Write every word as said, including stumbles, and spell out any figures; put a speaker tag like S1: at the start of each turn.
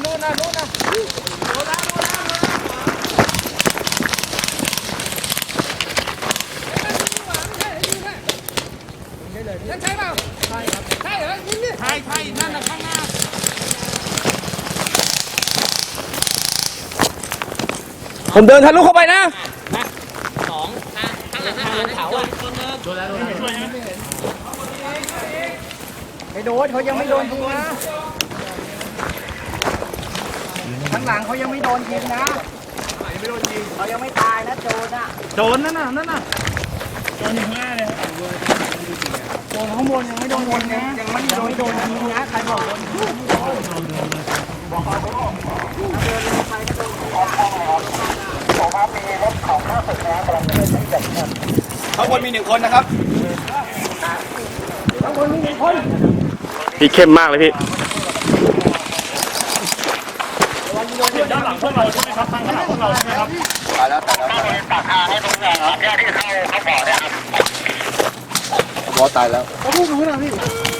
S1: นู่นนะนู่นนะโดนแล้วโดนแล้วนั่นใช่เปล่าใช่ครับใช่เหรอยิงดิใช่ใช่นั่นนะข้างหน้าผมเดินทะลุเข้าไปนะสองนะข้างหลังข้างหลังเขาอ่ะโดนแล้วโดนแล้วช่วยใช่ไหมไม่โดนเขายังไม่โดนยิงนะข้างหลังเขายังไม่โดนยิงนะยังไม่โดนยิงเขายังไม่ตายนะโจรน่ะโจรนั่นน่ะนั่นน่ะโจรอยู่ข้างหน้าเลยโจรข้างบนยังไม่โดนยิงนะยังไม่โดนโดนยิงนะใครบอกโดนยิงบอกเขาบอกเดินลงไปก็โดนบอกว่ามีรถของข้าศึกนะกำลังจะเดินไปจับข้างบนมีหนึ่งคนนะครับข้างบนมีหนึ่งคนพี่เข้มมากเลยพี่ด้านหลังพวกเราใช่ไหมครับทางด้านหลังพวกเราใช่ไหมครับตายแล้วตายแล้วตักทางให้ตรงแหล่งแยกที่เข้าเข้าบ่อเนี่ยครับบ่อตายแล้วเขาพูดรู้นะพี่